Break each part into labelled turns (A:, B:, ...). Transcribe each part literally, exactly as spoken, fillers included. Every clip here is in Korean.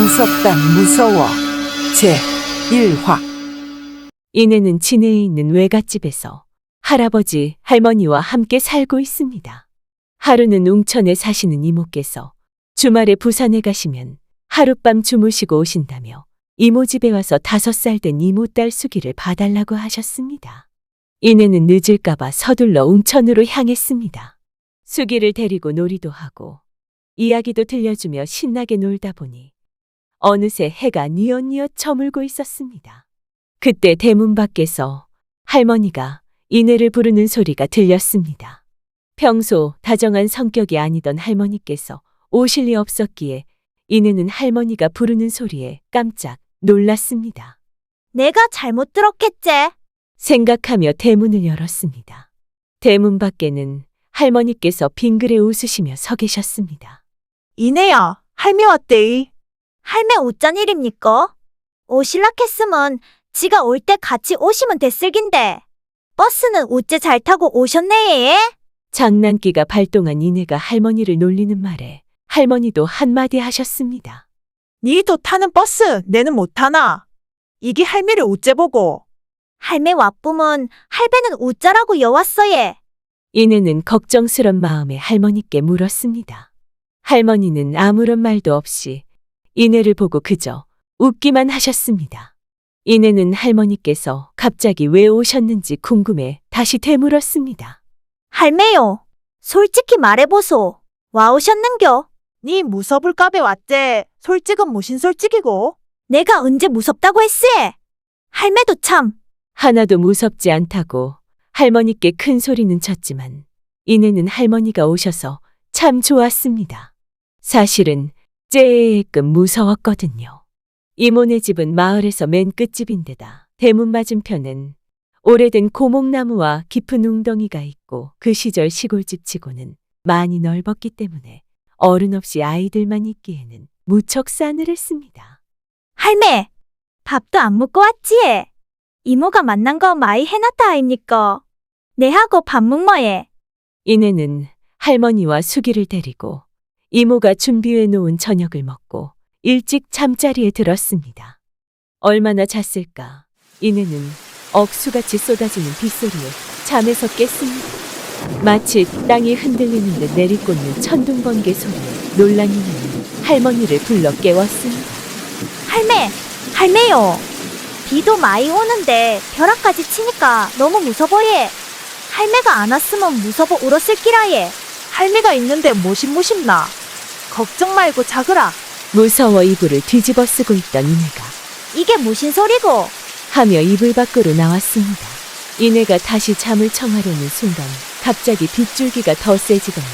A: 무섭다 무서워 제일 화.
B: 이내는 진해에 있는 외갓집에서 할아버지, 할머니와 함께 살고 있습니다. 하루는 웅천에 사시는 이모께서 주말에 부산에 가시면 하룻밤 주무시고 오신다며 이모 집에 와서 다섯 살 된 이모 딸 수기를 봐달라고 하셨습니다. 이내는 늦을까봐 서둘러 웅천으로 향했습니다. 수기를 데리고 놀이도 하고 이야기도 들려주며 신나게 놀다 보니 어느새 해가 뉘엿뉘엿 저물고 있었습니다. 그때 대문 밖에서 할머니가 이내를 부르는 소리가 들렸습니다. 평소 다정한 성격이 아니던 할머니께서 오실 리 없었기에 이내는 할머니가 부르는 소리에 깜짝 놀랐습니다.
C: 내가 잘못 들었겠지?
B: 생각하며 대문을 열었습니다. 대문 밖에는 할머니께서 빙그레 웃으시며 서 계셨습니다.
D: 이내야, 할미 왔대이.
C: 할매 어쩐 일입니까? 오실라 했으면 지가 올 때 같이 오시면 됐을긴데. 버스는 어째 잘 타고 오셨네.
B: 장난기가 발동한 이내가 할머니를 놀리는 말에 할머니도 한마디 하셨습니다.
D: 니도 타는 버스 내는 못 타나? 이게 할미를 어째 보고.
C: 할매 와뿜은 할배는 어쩌라고 여왔어 예.
B: 이내는 걱정스런 마음에 할머니께 물었습니다. 할머니는 아무런 말도 없이 이내를 보고 그저 웃기만 하셨습니다. 이내는 할머니께서 갑자기 왜 오셨는지 궁금해 다시 되물었습니다.
C: 할매요, 솔직히 말해보소. 와 오셨는겨?
D: 니 무섭을까배 왔제. 솔직은 무신 솔직이고.
C: 내가 언제 무섭다고 했으에? 할매도 참.
B: 하나도 무섭지 않다고 할머니께 큰 소리는 쳤지만 이내는 할머니가 오셔서 참 좋았습니다. 사실은 째끔 무서웠거든요. 이모네 집은 마을에서 맨 끝집인데다 대문 맞은편엔 오래된 고목나무와 깊은 웅덩이가 있고 그 시절 시골집 치고는 많이 넓었기 때문에 어른 없이 아이들만 있기에는 무척 싸늘했습니다.
C: 할매, 밥도 안 먹고 왔지? 이모가 만난 거 많이 해놨다 아입니까? 내하고 밥 먹머예.
B: 이내는 할머니와 수기를 데리고 이모가 준비해 놓은 저녁을 먹고 일찍 잠자리에 들었습니다. 얼마나 잤을까? 이내는 억수같이 쏟아지는 빗소리에 잠에서 깼습니다. 마치 땅이 흔들리는 듯 내리꽂는 천둥번개 소리에 놀란 이내는 할머니를 불러 깨웠습니다.
C: 할매, 할매요. 비도 많이 오는데 벼락까지 치니까 너무 무서워예. 할매가 안 왔으면 무서워 울었을 기라예.
D: 할미가 있는데 모심모심나. 걱정 말고 자거라.
B: 무서워 이불을 뒤집어 쓰고 있던 이내가
C: 이게 무슨 소리고?
B: 하며 이불 밖으로 나왔습니다. 이내가 다시 잠을 청하려는 순간 갑자기 빗줄기가 더 세지더니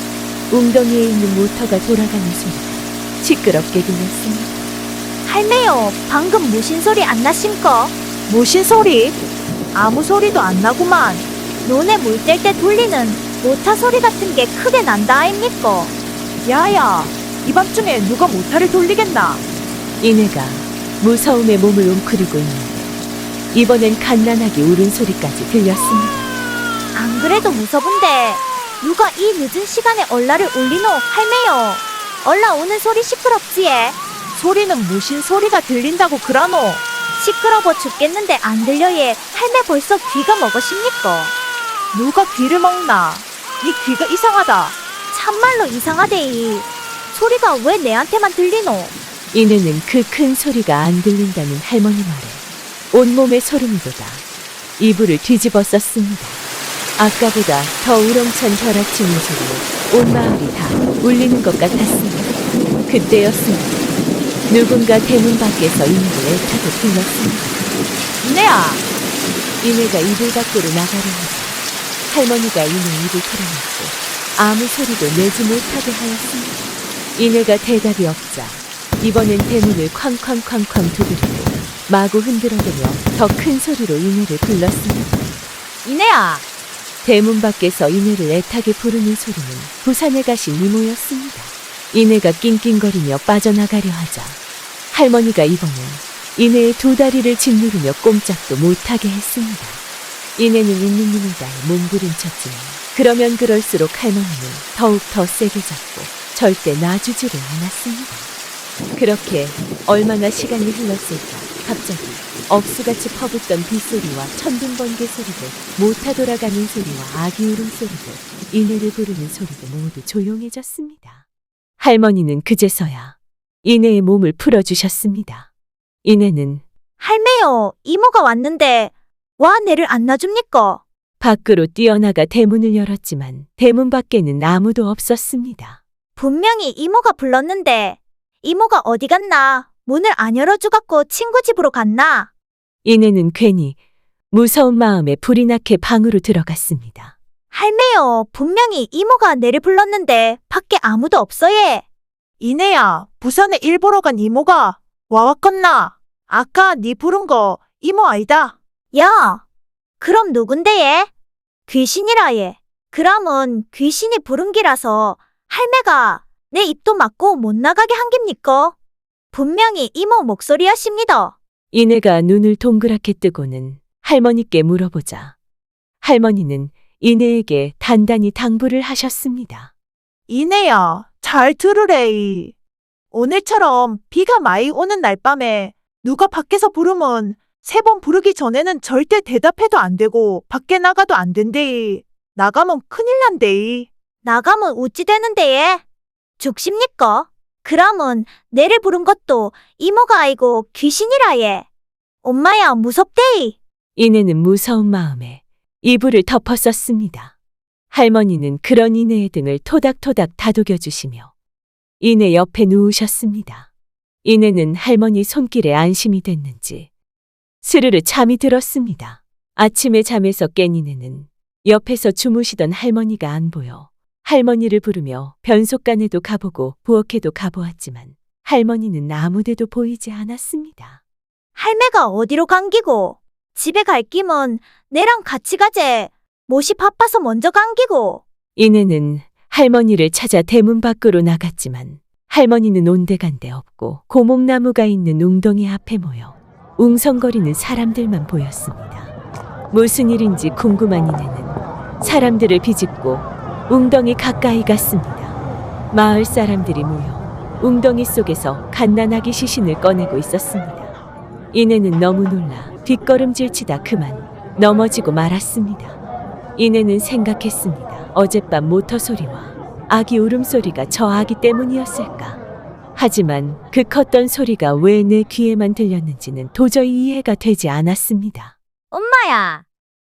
B: 웅덩이에 있는 모터가 돌아가는 소리가 시끄럽게 들렸습니다.
C: 할매요, 방금 무슨 소리 안 나심거?
D: 무신 소리? 아무 소리도 안 나구만.
C: 논에 물 뗄 때 돌리는 모타 소리 같은 게 크게 난다 아입니까?
D: 야야, 이 밤중에 누가 모타를 돌리겠나?
B: 이내가 무서움에 몸을 웅크리고 있는데 이번엔 갓난하게 울은 소리까지 들렸습니다.
C: 안 그래도 무서운데 누가 이 늦은 시간에 얼라를 울리노 할매요. 얼라 오는 소리 시끄럽지에.
D: 소리는 무신 소리가 들린다고 그러노.
C: 시끄러워 죽겠는데 안 들려예. 할매 벌써 귀가 먹으십니까?
D: 누가 귀를 먹나? 니 귀가 이상하다.
C: 참말로 이상하대이. 소리가 왜 내한테만 들리노?
B: 이내는 그 큰 소리가 안 들린다는 할머니 말에 온몸에 소름이 돋아 이불을 뒤집어 썼습니다. 아까보다 더 우렁찬 벼락치는 소리에 온 마을이 다 울리는 것 같았습니다. 그때였습니다. 누군가 대문 밖에서 이내를 애타게 불렀습니다.
D: 이내야,
B: 이내가 이불 밖으로 나가려 하자 할머니가 이내 입을 털어놨고 아무 소리도 내지 못하게 하였습니다. 이내가 대답이 없자 이번엔 대문을 쾅쾅쾅쾅 두드리고 마구 흔들어대며 더 큰 소리로 이내를 불렀습니다.
D: 이내야.
B: 대문 밖에서 이내를 애타게 부르는 소리는 부산에 가신 이모였습니다. 이내가 낑낑거리며 빠져나가려 하자 할머니가 이번엔 이내의 두 다리를 짓누르며 꼼짝도 못하게 했습니다. 이내는 있는 힘을 다해 몸부림쳤지만 그러면 그럴수록 할머니는 더욱 더 세게 잡고 절대 놔주지를 않았습니다. 그렇게 얼마나 시간이 흘렀을까. 갑자기 억수같이 퍼붓던 빗소리와 천둥번개 소리들, 모타 돌아가는 소리와 아기 울음소리들, 이내를 부르는 소리도 모두 조용해졌습니다. 할머니는 그제서야 이내의 몸을 풀어주셨습니다. 이내는
C: 할매요, 이모가 왔는데 와 내를 안 놔줍니까?
B: 밖으로 뛰어나가 대문을 열었지만 대문 밖에는 아무도 없었습니다.
C: 분명히 이모가 불렀는데 이모가 어디 갔나? 문을 안 열어주갖고 친구 집으로 갔나?
B: 이내는 괜히 무서운 마음에 불이 나게 방으로 들어갔습니다.
C: 할매요, 분명히 이모가 내를 불렀는데 밖에 아무도 없어 예.
D: 이내야, 부산에 일 보러 간 이모가 와왔건나? 아까 네 부른 거 이모 아이다.
C: 야, 그럼 누군데 예? 귀신이라 예. 그럼은 귀신이 부른 기라서 할매가 내 입도 막고 못 나가게 한 깁니까? 분명히 이모 목소리였습니다.
B: 이내가 눈을 동그랗게 뜨고는 할머니께 물어보자 할머니는 이내에게 단단히 당부를 하셨습니다.
D: 이내야, 잘 들으래. 오늘처럼 비가 많이 오는 날 밤에 누가 밖에서 부르면 세 번 부르기 전에는 절대 대답해도 안 되고 밖에 나가도 안 된대. 나가면 큰일 난대.
C: 나가면 어찌 되는데 예? 죽십니까? 그럼은 내를 부른 것도 이모가 아이고 귀신이라 예. 엄마야 무섭대이.
B: 이내는 무서운 마음에 이불을 덮었었습니다. 할머니는 그런 이내의 등을 토닥토닥 다독여 주시며 이내 옆에 누우셨습니다. 이내는 할머니 손길에 안심이 됐는지 스르르 잠이 들었습니다. 아침에 잠에서 깬 이내는 옆에서 주무시던 할머니가 안 보여 할머니를 부르며 변속간에도 가보고 부엌에도 가보았지만 할머니는 아무데도 보이지 않았습니다.
C: 할매가 어디로 감기고 집에 갈 끼면 내랑 같이 가재. 못이 바빠서 먼저 감기고.
B: 이내는 할머니를 찾아 대문 밖으로 나갔지만 할머니는 온데간데 없고 고목나무가 있는 웅덩이 앞에 모여 웅성거리는 사람들만 보였습니다. 무슨 일인지 궁금한 이내는 사람들을 비집고 웅덩이 가까이 갔습니다. 마을 사람들이 모여 웅덩이 속에서 갓난아기 시신을 꺼내고 있었습니다. 이내는 너무 놀라 뒷걸음질치다 그만 넘어지고 말았습니다. 이내는 생각했습니다. 어젯밤 모터 소리와 아기 울음소리가 저 아기 때문이었을까? 하지만 그 컸던 소리가 왜 내 귀에만 들렸는지는 도저히 이해가 되지 않았습니다.
C: 엄마야,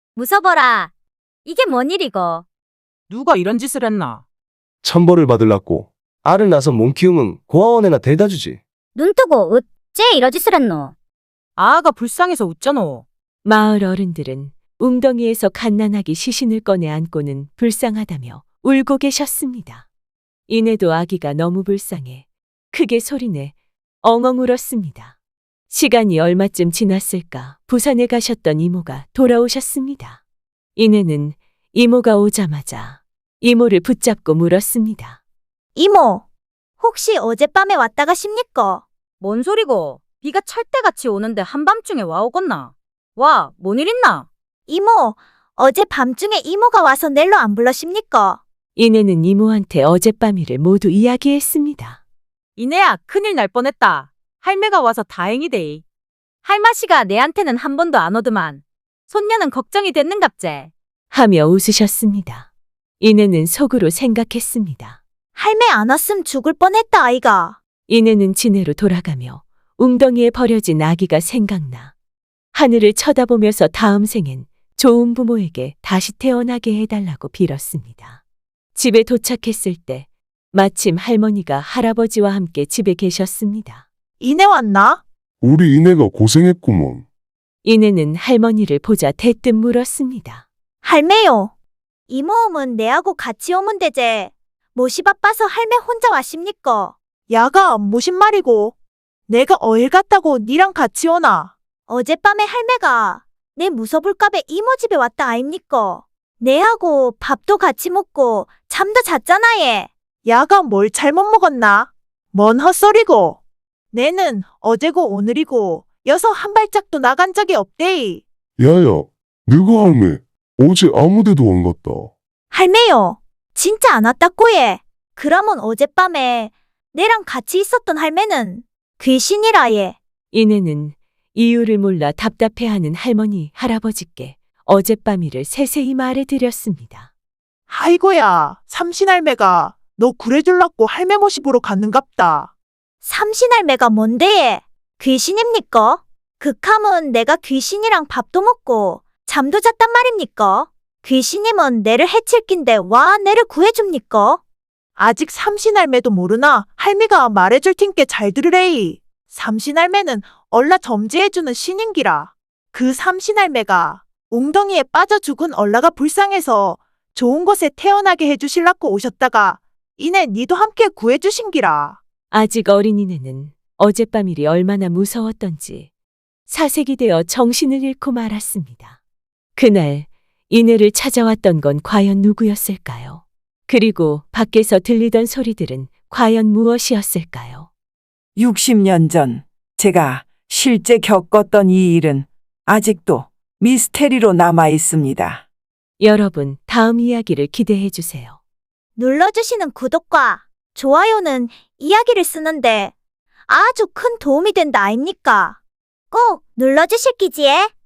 C: 무서워라. 이게 뭔 일이고?
E: 누가 이런 짓을 했나?
F: 천벌을 받을라고 알을 낳아서 몸 키우면 고아원에나 데려다 주지.
C: 눈 뜨고 어째 이러 짓을 했노?
E: 아가 불쌍해서 웃잖아.
B: 마을 어른들은 웅덩이에서 갓난아기 시신을 꺼내 안고는 불쌍하다며 울고 계셨습니다. 이내도 아기가 너무 불쌍해 크게 소리내 엉엉 울었습니다. 시간이 얼마쯤 지났을까 부산에 가셨던 이모가 돌아오셨습니다. 이내는 이모가 오자마자 이모를 붙잡고 물었습니다.
C: 이모, 혹시 어젯밤에 왔다 가십니까?
E: 뭔 소리고? 비가 철대같이 오는데 한밤중에 와 오겄나? 와, 뭔 일 있나?
C: 이모, 어제 밤중에 이모가 와서 넬로 안 불러십니까?
B: 이내는 이모한테 어젯밤 일을 모두 이야기했습니다.
E: 이내야, 큰일 날 뻔했다. 할매가 와서 다행이데이. 할마씨가 내한테는 한 번도 안 오더만. 손녀는 걱정이 됐는갑제.
B: 하며 웃으셨습니다. 이내는 속으로 생각했습니다.
C: 할매 안 왔음 죽을 뻔했다 아이가.
B: 이내는 지내로 돌아가며 웅덩이에 버려진 아기가 생각나 하늘을 쳐다보면서 다음 생엔 좋은 부모에게 다시 태어나게 해달라고 빌었습니다. 집에 도착했을 때 마침 할머니가 할아버지와 함께 집에 계셨습니다.
D: 이내 왔나?
G: 우리 이내가 고생했구먼.
B: 이내는 할머니를 보자 대뜸 물었습니다.
C: 할매요. 이모 오면 내하고 같이 오면 되제. 못이 바빠서 할매 혼자 왔십니까?
D: 야가 무슨 말이고? 내가 어일 갔다고 니랑 같이 오나?
C: 어젯밤에 할매가 내 무서울까봐 이모 집에 왔다 아입니까? 내하고 밥도 같이 먹고 잠도 잤잖아 얘.
D: 야가 뭘 잘못 먹었나? 뭔 헛소리고? 내는 어제고 오늘이고 여서 한 발짝도 나간 적이 없대이.
G: 야야, 너가 할매 어제 아무데도 안 갔다.
C: 할매요. 진짜 안 왔다고 얘. 그러면 어젯밤에 내랑 같이 있었던 할매는 귀신이라 예.
B: 이내는 이유를 몰라 답답해하는 할머니, 할아버지께 어젯밤 일을 세세히 말해드렸습니다.
D: 아이고야, 삼신할매가 너 구해줄라고 할매 모시 보러 갔는갑다.
C: 삼신할매가 뭔데 예? 귀신입니까? 극함은 내가 귀신이랑 밥도 먹고 잠도 잤단 말입니까? 귀신님은 내를 해칠 낀데 와 내를 구해줍니까?
D: 아직 삼신할매도 모르나 할미가 말해줄 팀께 잘 들으래이. 삼신할매는 얼라 점지해주는 신인기라. 그 삼신할매가 웅덩이에 빠져 죽은 얼라가 불쌍해서 좋은 곳에 태어나게 해주실라고 오셨다가 이내 니도 함께 구해주신기라.
B: 아직 어린 이내는 어젯밤 일이 얼마나 무서웠던지 사색이 되어 정신을 잃고 말았습니다. 그날 이내를 찾아왔던 건 과연 누구였을까요? 그리고 밖에서 들리던 소리들은 과연 무엇이었을까요?
A: 육십 년 전 제가 실제 겪었던 이 일은 아직도 미스테리로 남아 있습니다.
B: 여러분, 다음 이야기를 기대해 주세요.
C: 눌러주시는 구독과 좋아요는 이야기를 쓰는데 아주 큰 도움이 된다 아닙니까? 꼭 눌러주실 기지에.